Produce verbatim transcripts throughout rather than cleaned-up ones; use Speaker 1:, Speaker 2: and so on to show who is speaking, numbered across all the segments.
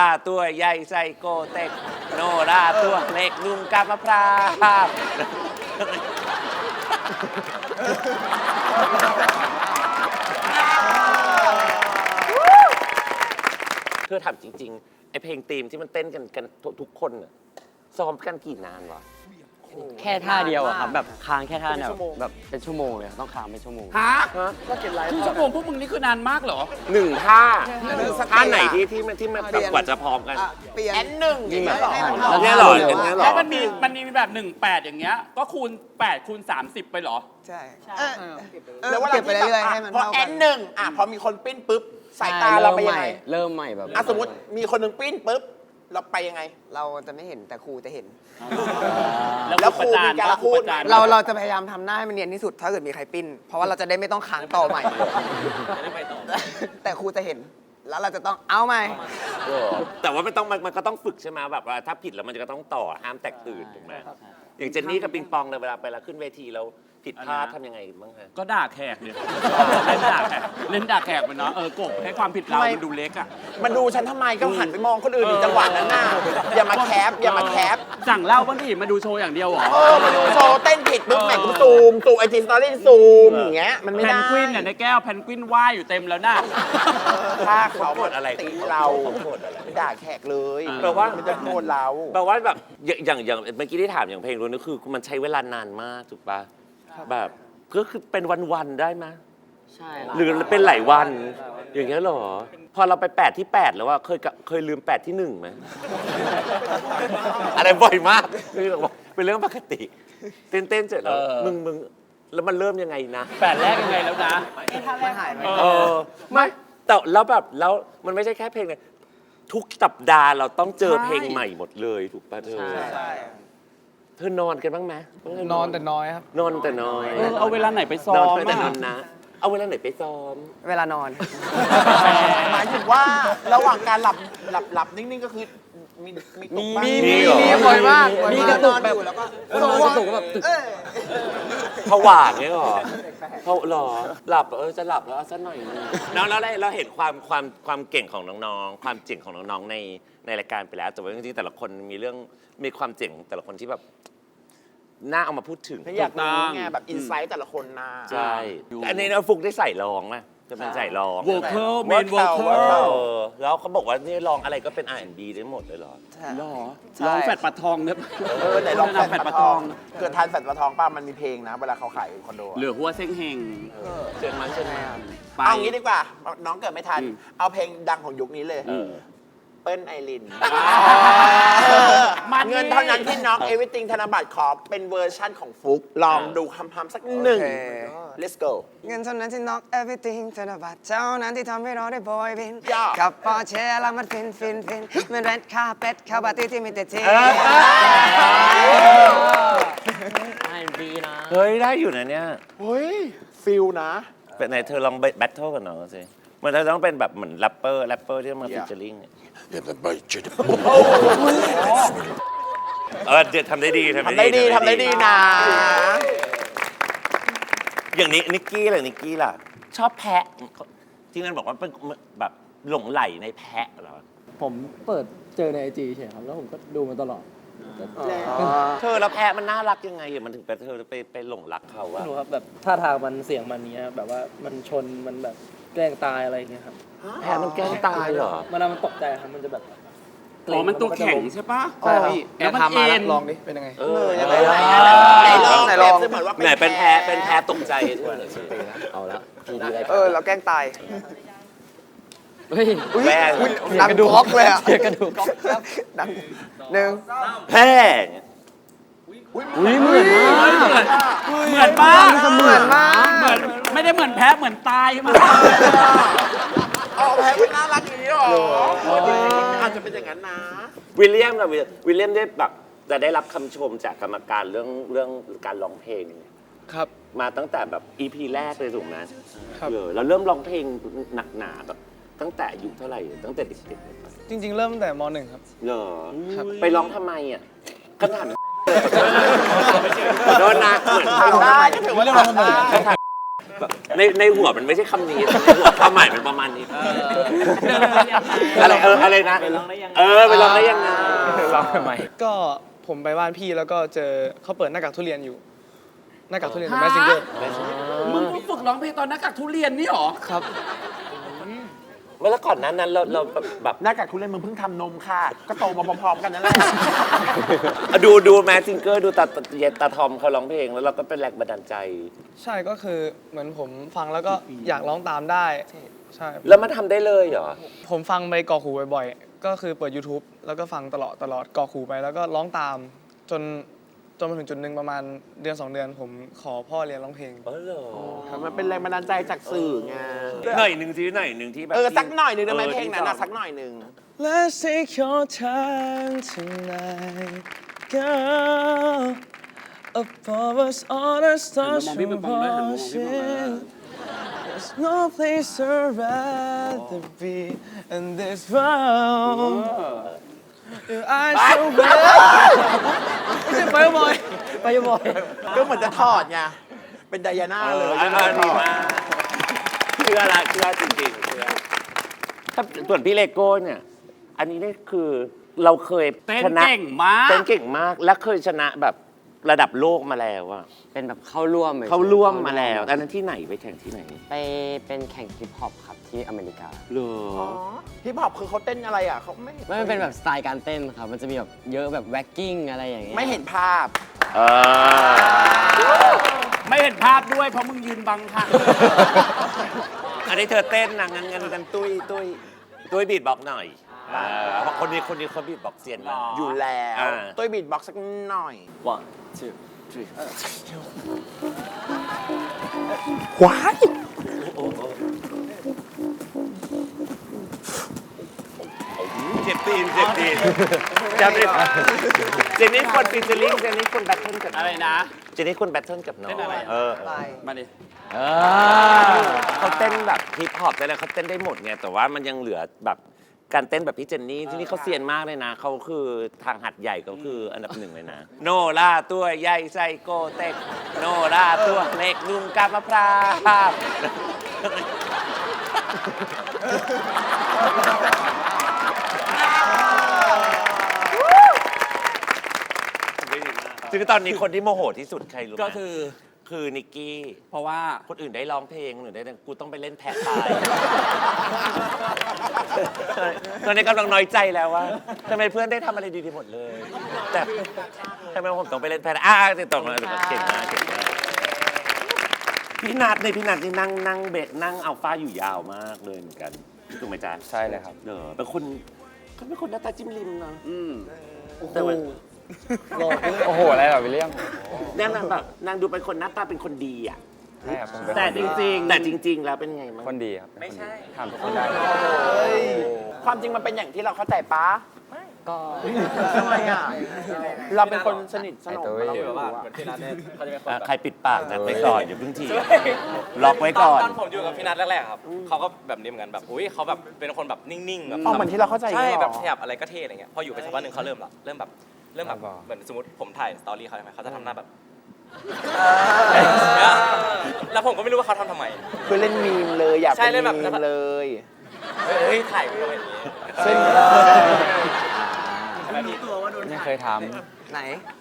Speaker 1: ราตัวใหญ่ไซโกเต็กโนราตัวเล็กนุ่งกาบมะพร้าวเธอถามจริงๆไอเพลงธีมที่มันเต้นกันกันทุกคนน่ะซ้อมกันกี่นานวะ
Speaker 2: แค่ท่าเดียวอะครับแบบค้างแค่ท่าเนี่ยแบบเป็นชั่วโมงเลยต้องค้างเป็นชั่วโมง
Speaker 3: ฮะ
Speaker 1: ก็เก็บไลฟ์
Speaker 3: ครึ่งชั่วโมงพวกมึงนี่คือนานมากเหรอ
Speaker 1: หนึ่งท่าท่าไหนที่ที่ที่มันแบบกว่าจะพร้อมกัน
Speaker 4: เปลี่ยน
Speaker 5: แอนหนึ่งอย่างเงี้ยเหรอ
Speaker 1: แล้วเนี่ยหรออย่างเงี้ยหรอ
Speaker 3: แล้วมันมีมันมีแบบหนึ่งแปดอย่างเงี้ยก็คูณแปดคูณสามสิบไปเหรอ
Speaker 4: ใช่
Speaker 5: แล้วว่า
Speaker 4: เก็
Speaker 5: เรา
Speaker 4: บไป
Speaker 5: ที่
Speaker 4: เรื่อย
Speaker 5: แบบ
Speaker 4: ๆให้มัน
Speaker 5: พอ
Speaker 4: เท่า
Speaker 5: แอ
Speaker 4: กัน
Speaker 5: นหนึ่งอ่ะพอมีคนปิ้นปุ๊บสายตาเราไปยังไง
Speaker 2: เริ่มใหม่แบบ
Speaker 5: อ่ะสมมติมีคนหนึ่งปิ้นปุ๊บเราไปยังไง
Speaker 4: เราจะไม่เห็นแต่ครูจะเห็น
Speaker 5: แล้วครูมีการพูด
Speaker 4: เราเราจะพยายามทำหน้าให้มันเนียนที่สุดถ้าเกิดมีใครปิ้น เพราะว่าเราจะได้ไม่ต้องค้างต่อใหม่ แต่ครูจะเห็น แล้วเราจะต้องเอาใหม่
Speaker 1: แต่ว่ามันต้องมันมันก็ต้องฝึกใช่ไหมแบบว่าถ้าผิดแล้วมันจะก็ต้องต่อห้ามแตกตื่นถูกไหมอย่างเจนนี่กับปิงปองเลยเวลาไปแล้วขึ้นเวทีแล้วผิดพลาดทำยังไงบ้างฮะ
Speaker 3: ก็ด่าแขกเนี่ยเล่นด่าแขกเล่นด่าแขกมันเนาะเออกบให้ความผิดเรามันดูเล็กอ่ะ
Speaker 5: มันดูฉันทำไมก็หันไปมองคนอื่นอีกจังหวะนั้นน่ะอย่ามาแคปอย่ามาแคป
Speaker 3: สั่งเหล้าบ้างดิมาดูโชว์อย่างเดียวเหรอ
Speaker 5: เออมาดูโชว์เต้นผิดปุ๊บแหม่งกูซูมซูมไอจีสตอรี่ซูมอย่างเงี้ยมันไม่
Speaker 3: แพ
Speaker 5: ได้
Speaker 3: นกวินเนี่ยในแก้วแพนกวินว่ายอยู่เต็มแล้วน่ะ
Speaker 5: ถ้าเขา
Speaker 1: โทษอะไร
Speaker 5: ตีเรา
Speaker 1: เขาโทษอะไร
Speaker 5: ไม่ด่าแขกเลย
Speaker 1: แปลว่า
Speaker 5: มันจะโทษเรา
Speaker 1: แปลว่าแบบอย่างอย่างอย่างเมื่อกี้ที่ถามอย่างเพลงรู้นี่คือมันใช้เวลานานมากถูกปะแบบก็คือเป็นวันๆได้ไหม
Speaker 2: ใช่
Speaker 1: หรือเป็นหลายวันอย่างเงี้ยเหรอพอเราไปแปดที่แปดแล้วว่าเคยกะเคยลืมแปดที่หนึ่งไหม อะไรบ่อยมากคือบอกเป็นเรื่องปกติ เต้นเต้นๆเสร็จแล้ว
Speaker 3: เออ
Speaker 1: มึงมึงแล้วมันเริ่มยังไงนะ
Speaker 3: แปดแรกยังไงแล้วนะ
Speaker 4: มันหายไป
Speaker 3: เอ
Speaker 1: เออไม่แต่แล้วแบบแล้วมันไม่ใช่แค่เพลงเลยทุกสัปดาห์เราต้องเจอเพลงใหม่หมดเลยถูกป่ะเธอ
Speaker 4: ใช่
Speaker 1: เธอนอนกันบ้างไหม
Speaker 4: นอนแต่น้อยครับ
Speaker 1: นอนแต่น้อย
Speaker 3: เออเอาเวลาไหนไปซ้อน
Speaker 1: อน
Speaker 3: ม
Speaker 1: แต่นอ
Speaker 3: อะ
Speaker 1: นนะ เอาเวลาไหนไปซ้อม
Speaker 4: เวลานอน
Speaker 5: หมายถึงว่าระหว่างการหลับหลับหลับนิ่งๆก็คือมีมีตกบ้าง
Speaker 1: มี
Speaker 4: มี
Speaker 1: เหรอ
Speaker 4: มีบ่อยมาก
Speaker 2: มี
Speaker 4: มี
Speaker 2: ก
Speaker 4: ก
Speaker 2: ระ
Speaker 4: ระ
Speaker 2: ตุ
Speaker 4: ตุ
Speaker 2: ก
Speaker 4: ก
Speaker 2: แบ
Speaker 4: แบบ บแล้วก็
Speaker 2: คนนอนกระตุกแบบตึก
Speaker 1: ผวาเงี้ยเหรอเพราหรอหลับเออจะหลับแล้วเอาสักหน่อยนึงแล้วแล้วเราเห็นความความความเก่งของน้องๆความเจ๋งของน้องๆในในรายการไปแล้วแต่ว่าจริงๆแต่ละคนมีเรื่องมีความเจ๋งของแต่ละคนที่แบบน่าเอามาพูดถึง
Speaker 5: ไม่อยากรู้ไงแบบอินไซต์แต่ละคนนะ
Speaker 1: ใช่อันนี้เราฟุกได้ใส่ร้องไหมจะเป็นใส่ร้อง
Speaker 3: โวเคิลเมนโวเคิ
Speaker 1: เอ
Speaker 3: ล
Speaker 1: อแล้วเขาบอกว่านี่ร้องอะไรก็เป็น อาร์ แอนด์ บี ได้หมดเลยเหรอ
Speaker 3: หรอ
Speaker 4: ใช่
Speaker 3: ลองแฟดปัดทองเนี่ย
Speaker 5: เออไหนลองแฟด
Speaker 3: แฟด
Speaker 5: ป
Speaker 3: ปั
Speaker 5: ลา
Speaker 3: ด
Speaker 5: ท
Speaker 3: ท
Speaker 5: อ
Speaker 3: อง ง
Speaker 5: เกิดทานแฟดปลาทองป้ามันมีเพลงนะ เวลาเขาขายคอนโดอะ
Speaker 3: เหลือหัวเส้งเฮง
Speaker 1: เชิญมันเชิญมัน
Speaker 3: ไป
Speaker 5: เอางี้ดีกว่า น้องเกิดไม่ทัน
Speaker 3: อืม
Speaker 5: เอาเพลงดังของยุคนี้เลย
Speaker 1: เออ
Speaker 5: เปิ้ลไอริน
Speaker 3: มัน
Speaker 5: เงินเท่านั้นที่น้อง Everything ธนบัตรขอเป็นเวอร์ชั่นของฟุก ลองดูคำพำสักหนึ่ง
Speaker 4: โอเค
Speaker 5: let's go
Speaker 4: เงินเท่านั้นที่ knock everything ธนบัตรเท่านั้นที่ทำให้เราได้บอยบิน
Speaker 5: ย่า
Speaker 4: กับปอร์เช่แล้วมันฟินฟินฟินเหมือนแรดคาเป็ดเข้าปาร์ตี้ที่มีแต่เท
Speaker 2: ไอบีนะ
Speaker 1: เฮ้ย ได้อยู่นะเนี่ย
Speaker 5: เฮ้ยฟิลนะ
Speaker 1: เป็นไหนเธอลองแบทเทิลกับน้องสิมันจะต้องเป็นแบบเหมือนแรปเปอร์แรปเปอร์ที่มาฟิชเชอร์ลิงเออเดี๋ยวทำได้ดี
Speaker 5: ทำได้ดีทำได้ดีนะ
Speaker 1: อย่างนี้นิกกี้ล่ะนิกกี้ล่ะ ชอบแพะ ที่นั่นบอกว่าเป็นแบบหลงไหลในแพะเหรอ
Speaker 6: ผมเปิดเจอในไอจีเฉยครับ แล้วผมก็ดูมาตลอด
Speaker 1: เธอแล้วแพะมันน่ารักยังไงอะมันถึงไปเธอไปไปหลงรักเขาอะ
Speaker 6: ไม่รู้ครับแบบท่าทางมันเสียงมันเนี้ยแบบว่ามันชนมันแบบแกล้งตายอะไรอย่างเงี้ยครับ
Speaker 1: แพะมันแกล้งตายเหรอ
Speaker 6: มันมันตกใจครับมันจะแบบ
Speaker 3: อ๋อมันตัวแข็งใช่ปะ
Speaker 6: ใช่พี่
Speaker 3: แล้วมันเอ็น
Speaker 6: ลองดิเป็นยังไง
Speaker 1: เออ
Speaker 5: ยัง
Speaker 1: ไห
Speaker 5: ไง
Speaker 1: น
Speaker 5: ไหนลอง
Speaker 4: ไหนลอง
Speaker 5: เปรียบเสมือนว่า
Speaker 1: ไหนเป็นแพะเป็นแพะตกใจเธอ
Speaker 2: เอาแล้วทีดีไร
Speaker 4: เออเราแกล้งตาย
Speaker 6: เฮ้ย
Speaker 1: แม่
Speaker 4: ดังก๊อกเลยอ่ะ
Speaker 6: เสียกระดูก
Speaker 4: ดังหนึ่ง
Speaker 1: แพะ
Speaker 6: อุ้ยเหมือนมาก
Speaker 3: เหมือนมาก
Speaker 4: เหมือนมาก
Speaker 3: เหมือนไม่ได้เหมือนแพ้เหมือนตายมา
Speaker 5: เอาแพ้เป็นน่ารักอย่างนี้หรออาจจะเป็นอย่างนั้นนะ
Speaker 1: วิลเลียมกับวิลเลียมได้แบบจะได้รับคำชมจากกรรมการเรื่องเรื่องการร้องเพลง
Speaker 6: ครับ
Speaker 1: มาตั้งแต่แบบ อี พี แรกเลยถูกไหม
Speaker 6: ครับ
Speaker 1: เออเราเริ่มร้องเพลงหนักหนาแบบตั้งแต่อายุเท่าไหร่ตั้งแต่เด็กๆเลยปะ
Speaker 6: จริง ๆ เริ่มตั้งแต่มหนึ่งครับ
Speaker 1: เหรอ
Speaker 6: ครับ
Speaker 1: ไปร้องทำไมอ่ะคำถามขอโทษนะเหมือน
Speaker 5: ทำได้ก็ถือว่าทำได้
Speaker 1: คำถามในในหัวมันไม่ใช่คำนี้ในหัวความหมายมันประมาณนี้อะไรเอออะไรนะเออไปลองได้ยังไง
Speaker 2: ลองทำไม
Speaker 7: ก็ผมไปบ้านพี่แล้วก็เจอเขาเปิดหน้ากากทุเรียนอยู่ หน้ากากทุเรียนของแมสซิงเกอร์
Speaker 3: มึงฝึกร้องเพลงตอนนักกักทุเรียนนี่หรอ
Speaker 7: ครับ
Speaker 1: เมื่อก่อนนั้นนั้นเราเราแบบ
Speaker 5: หน้ากากทุเรียนมึงเพิ่งทำนมค่ะ ก็โตมาพร้อมๆกันนั่นแหละ
Speaker 1: ดูดูแมสซิงเกอร์ดูตาเย็นตาทอมเขาร้องเพลงแล้วเราก็เป็นแรงบันดาลใจ
Speaker 7: ใช่ก็คือเหมือนผมฟังแล้วก็อยากร้องตามได้ใช่
Speaker 1: แล้วมันทำได้เลยเหรอ
Speaker 7: ผมฟังไปกรอกหูบ่อยๆ ก็คือเปิด YouTube แล้วก็ฟังตลอดตลอดกรอกหูไปแล้วก็ร้องตามจนจนมาถึงจุดหนึ่งประมาณเดือนสองเดือน ผมขอพ่อเรียนร้องเพลง
Speaker 1: เออเหรอ
Speaker 5: มันเป็นแรงบันดาลใจจากสื่อไง
Speaker 1: หน่อยหนึ่งทีหน่อยหนึ่งที่แบบ
Speaker 5: เออ สักหน่อยหนึ่งได้ไหม
Speaker 1: ออ
Speaker 5: เพลงนั้นอะ
Speaker 1: ที่
Speaker 5: สักหน่อยหนึ่ง
Speaker 7: Let's take your time tonight, girl. Above us, all the stars
Speaker 3: Mom, people
Speaker 7: are
Speaker 3: bang, bang, mom, people
Speaker 7: watching. There's no place I'd rather be in this world. Your eyes so red. ไม่ใช่ไปบ่อยไปบ่อย
Speaker 5: ก็เหมือนจะถอดไง เป็นไดอาน่า
Speaker 1: เอ
Speaker 5: เล
Speaker 1: อย อันนั้นดีมากเชื่อละเชื่อจริงๆเชื่อถ้าส่วนพี่เลโก้เนี่ย อันนี้นี่คือเราเคย
Speaker 3: เต้น
Speaker 1: ชนะ
Speaker 3: เก่งมาก
Speaker 1: เต้นเก่งมาก และเคยชนะแบบระดับโลกมาแล้วอะ
Speaker 2: เป็นแบบเข้าร่วม
Speaker 1: เขาร่วมมาแล้วอันนั้นที่ไหนไปแข่งที่ไหน
Speaker 2: ไปเป็นแข่งฮิปฮอปครับที่อเมริกา
Speaker 1: เหรอ
Speaker 5: ฮิปฮอปคือเขาเต้นอะไรอ่ะเขาไม่
Speaker 2: ไม่มันเป็นแบบสไตล์การเต้นครับ มันจะมีแบบเยอะแบบแว็กกิ้งอะไรอย่างเงี้ย
Speaker 5: ไม่เห็นภาพ
Speaker 1: เออ
Speaker 3: ไม่เห็นภาพด้วยเพราะมึงยืนบังค่ะ
Speaker 1: อันนี้เธอเต้นนะงั้นงั้นกันตุ้ยตุ้ยตุ้ยบีทบ็อกซ์หน่อยเออเพราะคนนี้คนนี้เขาบีทบ็อกซ์เซียนมาก
Speaker 5: อยู่แล้ว
Speaker 1: อ่า
Speaker 5: ตุ้ยบีทบ็อกซ์สักหน่อย
Speaker 6: one two three
Speaker 5: ว้าย
Speaker 1: เจ็บตีนเจ็บตีนจำได้เจนนี่คนฟีเจอริ่งเจนนี่คนแบทเทิลกับ
Speaker 3: อะไรนะ
Speaker 1: เจนนี่คนแบทเทิลกับน้อง
Speaker 3: เต้นอะไร
Speaker 1: เออ
Speaker 3: มาดิ
Speaker 2: เออ
Speaker 1: เขาเต้นแบบฮิปฮอปได้แล้วเขาเต้นได้หมดไงแต่ว่ามันยังเหลือแบบการเต้นแบบพี่เจนนี่ที่นี่เขาเซียนมากเลยนะเขาคือทางหัดใหญ่เขาคืออันดับหนึ่งเลยนะ โนล่าตัวใหญ่ไซโกเต็กโนล่าตัวเล็กนุ่มกาบมะพร้าวคือตอนนี้คนที่โมโหที่สุดใครรู้ไหม
Speaker 3: ก็คือ
Speaker 1: คือนิกกี้
Speaker 3: เพราะว่า
Speaker 1: คนอื่นได้ร้องเพลงหรือได้กูต้องไปเล่นแพะตาย ตอนนี้กำลังน้อยใจแล้วว่าทำไมเพื่อนได้ทำอะไรดีๆหมดเลย แต่ทำไมผมต้องไปเล่นแพะอ่าติดต่อมาเก่งมากเก่งมากพี่นัทในพี่นัทนี่นั่งนั่งเบะนั่งเอาฟ้าอยู่ยาวมากเลยเหมือนกันถูกไหมจ๊ะ
Speaker 2: ใช่เลยครับ
Speaker 1: เออเป็นคนเขาเป็นคนหน้าตาจิ้มลิมเนาะ
Speaker 3: อืม
Speaker 1: แต่ว่า
Speaker 2: โอ้โห อะไรแบบวิลเลียม
Speaker 1: นางแบบนางดูเป็นคนหน้าตาเป็นคนดีอ่ะ
Speaker 2: ใช่ครับผมเป็น
Speaker 3: แต่จริงๆ
Speaker 1: แต่จริง ๆ แล้วเป็นไงมั้ง
Speaker 2: คนดีครับไม่ใช่ทำทุกคนได้
Speaker 5: ความจริงมันเป็นอย่างที่เราเข้าใจปะ
Speaker 2: ก็
Speaker 5: ทำไมอ่ะ เราเป็นคนสนิทสนม
Speaker 2: ไอ้ตัว
Speaker 5: เราไม่รู้อะ
Speaker 1: อ่ะใครปิดปากนัดไว้ก่อนอย่าเพิ่งทีล็อกไว้ก่อน
Speaker 8: ตอนผมอยู่กับพี่นัทแรกๆครับเขาก็แบบนี้เหมือนกันแบบอุ้ยเขาแบบเป็นคนแบบนิ่งๆแบบ
Speaker 5: อ๋อเหมือนที่เราเข้าใจ
Speaker 8: ใช่
Speaker 5: เหรอ
Speaker 8: แบบขยับอะไรก็เท่อะไรเงี้ยพออยู่ไปสักพักหนึ่งเขาเริ่มละเริ่มแบบเริ่มแบบเหมือนสมมติผมถ่ายสตอรี่เขาใช่ไหมเขาจะทำหน้าแบบแล้วผมก็ไม่รู้ว่าเขาทำทำไม
Speaker 5: คือเล่นมีมเลยอยาก
Speaker 8: ใช่
Speaker 5: เป็น
Speaker 8: เล่นแบบ
Speaker 5: มีมเลย
Speaker 8: เฮ้ยถ่ายกูทำไมอย่างนี้
Speaker 5: เส้น
Speaker 2: ไม่เคยท
Speaker 4: ไหน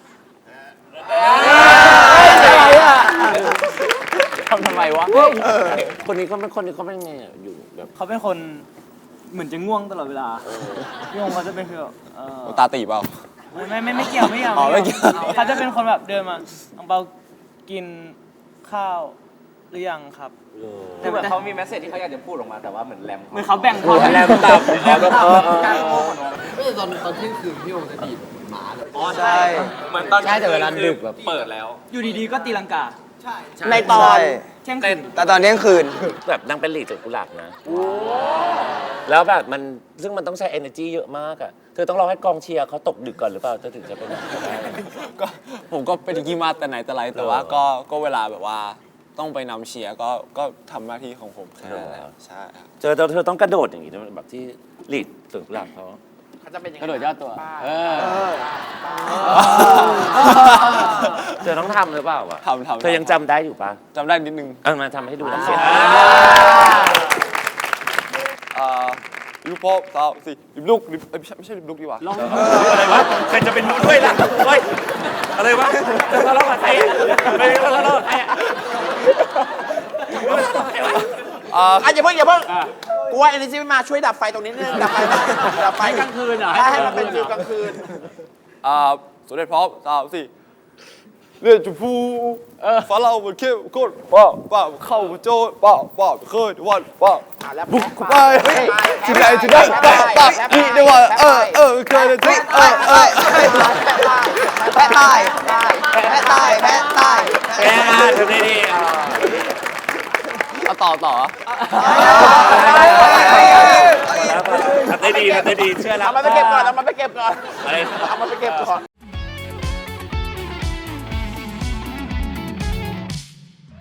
Speaker 2: อะไรอ่ะทำทำไมวะ
Speaker 1: คนนี้เขาเป็นคนนี้เขาเป็นไงอ่ะอยู่แบบ
Speaker 6: เขาเป็นคนเหมือนจะง่วงตลอดเวลาพี่องเขาจะเป็นคือแบบเอ่อ
Speaker 2: ตาตีเปล่า
Speaker 6: ไม่ไม่ไม่ไม่เกี่ยวไม่เกี่ยว
Speaker 2: อ๋อไม่เกี่ยว
Speaker 6: เขาจะเป็นคนแบบเดินมาอังเปากินข้าวหรือยังครับ
Speaker 8: คือเหมือนเขามีแมสเซจที่เขาอยากจะพูดออกมาแต่ว่าเหมือนแรม
Speaker 6: เหมือนเขาแบ่ง
Speaker 1: โอ้ยแรงต่ำแรงต่ำ
Speaker 8: อ๋อ
Speaker 4: ใช่
Speaker 8: เหมือนตอน
Speaker 2: ใช่แต่เวลาดึกแบบ
Speaker 8: เปิดแล้ว
Speaker 6: อยู่ดีๆก็ตีลังกา
Speaker 5: ในตอน
Speaker 6: เที่ยงคืน
Speaker 4: แต่ตอนเที่ยงคืน
Speaker 1: แบบนางเป็นหลีดจากกุหลาบนะแล้วแบบมันซึ่งมันต้องใช้ energy เยอะมากอ่ะเธอต้องรอให้กองเชียร์เขาตกดึกก่อนหรือเปล่าเธอถึงจะเป็นแบบได้
Speaker 9: ก็ผมก็เป็นกีมาแต่ไหนแต่ไรแต่ว่าก็ก็เวลาแบบว่าต้องไปนำเชียร์ก็ก็ทำหน้าที่ของผมแค่นั้นแหละใช่ครับ
Speaker 1: เจอเธอเธอต้องกระโดดอย่างนี้ด้วยแบบที่หลีดสวนกุหลาบเขา
Speaker 5: เขาจะเป็นยังไง
Speaker 2: กระโดดยอดตัว เออ
Speaker 1: เธอต้องทำหรือเปล่าวะ
Speaker 9: ทำทำ
Speaker 1: เธอยังจำได้อยู่ปะ
Speaker 9: จำได้นิดนึง
Speaker 1: เออมาทำให้ดูนะเสีย
Speaker 9: อ่าลูกพ่อสาวสี่ลิบลูกลิบเอ้ยไม่ใช่ไม่ใช่ลิบลูกดีกว่า
Speaker 1: อะไรวะใครจะเป็นรู้ด้วยล่ะเฮ้ยอะไรวะจะทะเลาะกับใครอะไม่ได้ทะเลาะกับใครอะ
Speaker 9: อ่า
Speaker 5: อ่ะอย่าเพิ่งอย่าเพิ่งกูว่าเอเนจีมาช่วยดับไฟตรงนี้นิดนึงดับไฟดับไฟ
Speaker 3: กลางคืนเหรอ
Speaker 5: ใช่ให้มันเป็นฟิลกลางคืน
Speaker 9: อ่าสมเด็จพร้อมสาวสี่เลือดจุพูฟ้าเราบนเข้มข้นป้าป้าเข้ามาโจ้ป้าป้าเคยวันป้า
Speaker 5: อ่ะแล้ว
Speaker 9: บุกเข้าไปถึงไหนถึงไหนป้าป้านี่เดี๋ยวว่าเออเออเคยเลยทุกเออเออ
Speaker 4: แพะใต้แพะใต้แพะใต้
Speaker 1: แกทำได้ดีอ่ะ
Speaker 9: เอาต่อต่อ
Speaker 1: ทำได้ดีทำได้ดีเชื่อแล้ว
Speaker 5: เอามาไปเก็บก่อนเอามาไปเก็บก่อน
Speaker 1: อะไร
Speaker 5: เอามาไปเก็บก่อน